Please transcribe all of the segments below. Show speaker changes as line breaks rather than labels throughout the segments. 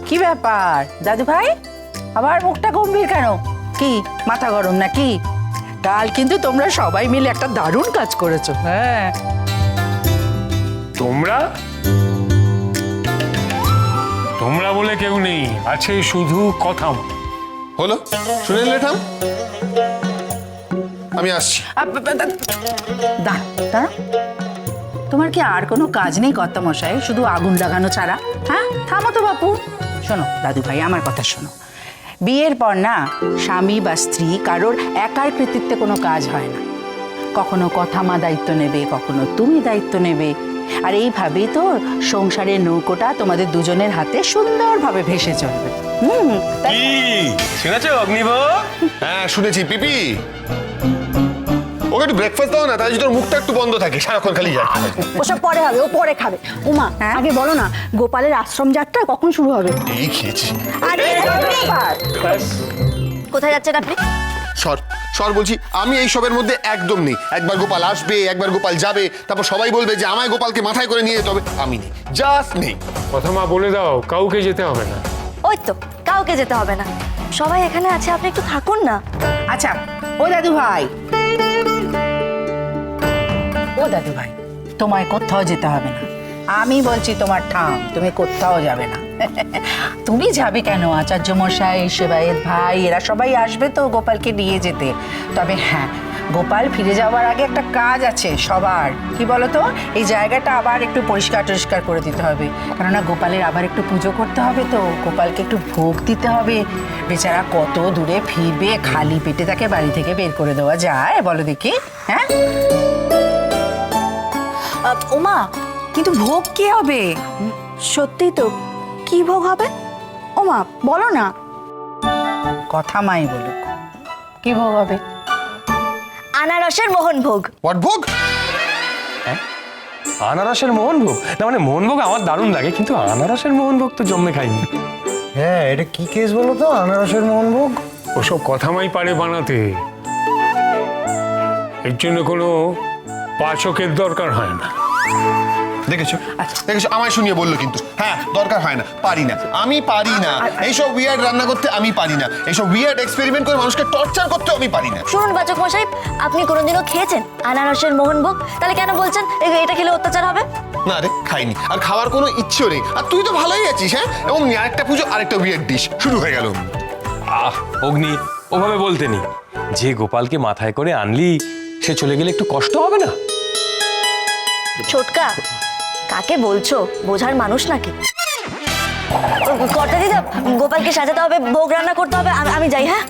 কি ব্যাপার দাদু ভাই, আবার মুখটা গম্ভীর কেন? কি মাথা গরম নাকি? কাল কিন্তু তোমরা সবাই মিলে একটা দারুণ কাজ করেছো। হ্যাঁ,
তোমরা তোমরা বলে কেউ নেই, আছে শুধু কথা।
হলো, শুনে নিলে ঠাম, আমি আসছি।
দাঁড়াও দাঁড়াও, তোমার কি আর কোনো কাজ নেই কর্তামশাই, শুধু আগুন লাগানো ছাড়া? হ্যাঁ, থামো তো বাপু। শোনো দাদু ভাই, আমার কথা শোনো। বিয়ের পর না স্বামী বা স্ত্রী কারোর একার কৃতিত্বে কোনো কাজ হয় না। কখনো কথা মা দায়িত্ব নেবে, কখনো তুমি দায়িত্ব নেবে। আর এইভাবেই তো সংসারের নৌকোটা তোমাদের দুজনের হাতে সুন্দরভাবে ভেসে চলবে।
কি শুনেছো অগ্নিভোগ?
হ্যাঁ শুনেছি। পিপি, ওকে একটু ব্রেকফাস্ট দাও না, তাই যদি তোর মুখটা একটু বন্ধ থাকে, সারাক্ষণ খালি যায়।
ওসব পরে হবে, ও পরে খাবে। উমা,
হ্যাঁ?
আগে বলো না গোপালের আশ্রম যাত্রা কখন শুরু হবে?
এই খেয়েছি।
আরে কোথায় যাচ্ছেন আপনি?
সর সর বলছি, আমি এই সবের মধ্যে একদম নেই। একবার গোপাল আসবে, একবার গোপাল যাবে, তারপর সবাই বলবে যে আমায় গোপালকে মাথায় করে নিয়ে যেতে হবে। আমি নেই, জাস্ট নেই।
কথা মা বলে দাও, কাউকে যেতে হবে না।
ওই তো, কাউকে যেতে হবে না, সবাই এখানে আছে, আপনি একটু থাকুন না।
আচ্ছা ও দাদু ভাই, ও দাদু ভাই, তোমায় কোথাও যেতে হবে না। আমি বলছি তোমার ঠাম, তুমি কোথাও যাবে না। তুমি যাবে কেন? আচার্য মশাই, সেবায়েত ভাই, এরা সবাই আসবে তো গোপালকে নিয়ে যেতে। তবে হ্যাঁ, গোপাল ফিরে যাওয়ার আগে একটা কাজ আছে সবার। কি বলতো, এই জায়গাটা আবার একটু পরিষ্কার টরিষ্কার করে দিতে হবে, কেননা গোপালের আবার একটু পুজো করতে হবে, তো গোপালকে একটু ভোগ দিতে হবে। বেচারা কত দূরে ফিরবে, খালি পেটে তাকে বাড়ি থেকে বের করে দেওয়া যায় বলো দেখি? হ্যাঁ
ওমা, কিন্তু ভোগ কি হবে? সত্যি তো, কি ভোগ হবে? ওমা বলো না।
কথা মাই বলুক, কি ভোগ হবে?
আনারসের মোহন ভোগ।
হোয়াট ভোগ?
আনারসের মোহনভোগ? না মানে মোহনভোগ আমার দারুণ লাগে, কিন্তু আনারসের মোহনভোগ তো জন্মে খাইনি।
হ্যাঁ, এটা কি কেস বলো তো, আনারসের মোহনভোগ?
ওসব কথা মাই পারে বানাতে, এর জন্য কোনো পাচকের দরকার হয় না।
দেখেছো দেখেছো, আমায় শুনিয়ে বললো কিন্তু। হ্যাঁ, দরকার হয় না, পারি না, আমি পারি না। এইসব উইয়ার্ড রান্না করতে আমি পারি না, এইসব উইয়ার্ড এক্সপেরিমেন্ট করে মানুষকে টর্চার করতে আমি পারি না।
শুনুন বাচক মশাই, আপনি কোনোদিনও খেয়েছেন আনারসের মোহন ভোগ? তাহলে কেন বলছেন এটা খেলে অত্যাচার হবে?
না রে, খাইনি, আর খাওয়ার কোনো ইচ্ছেও নেই। আর তুই তো ভালোই আছিস। হ্যাঁ, এবং আরেকটা পুজো, আরেকটা উইয়ার্ড ডিশ শুরু হয়ে গেল।
অগ্নি, ওভাবে বলতে নি। যে গোপালকে মাথায় করে আনলি, সে চলে গেলে একটু কষ্ট হবে না?
ছোটকা, কাকে বলছো? বোঝার মানুষ নাকি? কর্তা দিদা, গোপালকে সাজাতে হবে, ভোগ রান্না করতে হবে, আমি যাই। হ্যাঁ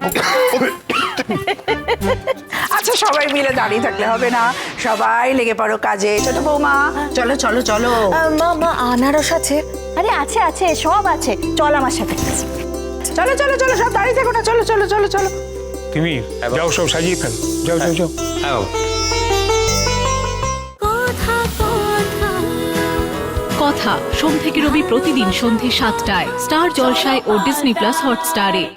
আচ্ছা, সবাই মিলে দাঁড়িয়ে থাকলে হবে না, সবাই লেগে পড়ো কাজে। ছোট বৌমা, চলো চলো চলো।
মা, মা আনারস আছে?
আরে আছে আছে, সব আছে, চল আমার সাথে।
চলো চলো চলো, সব দাঁড়িয়ে থাকো না, চলো চলো চলো চলো।
তুমি যাও, সব সাজিয়ে ফেল, যাও যাও যাও।
হ্যাঁ,
কথা সোম থেকে রবি প্রতিদিন সন্ধে ৭টায় স্টার জলসায় ও ডিজনি প্লাস হটস্টারে।